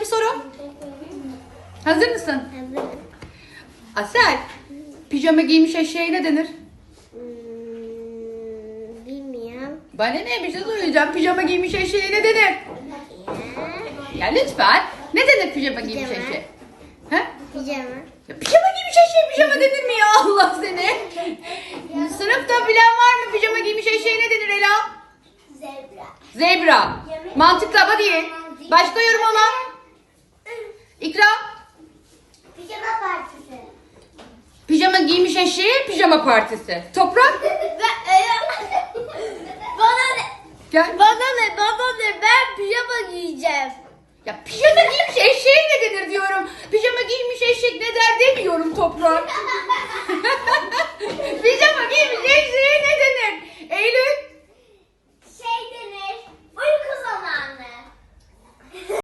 soru. Hazır mısın? Evet. Asel, pijama giymiş eşeğe ne denir? Bilmiyorum. Bana ne, bir şey söyleyeceğim. Pijama giymiş eşeğe ne denir? Ya. Ya lütfen. Ne denir pijama giymiş Pijama. eşeğe? Ha? Pijama. Ya pijama giymiş eşeğe pijama denir mi ya, Allah seni? Sınıfta bilen var mı, pijama giymiş eşeğe ne denir Ela? Zebra. Zebra. Mantıklı ama değil. Başka yorum olan? İkra. Pijama partisi. Pijama giymiş eşeğe pijama partisi. Toprak. Bana ne? Gel. Bana ne? Ben pijama giyeceğim. Ya pijama giymiş eşeğe ne denir diyorum. Pijama giymiş eşek ne der demiyorum Toprak. Pijama giymiş eşeğe ne denir? Eylül.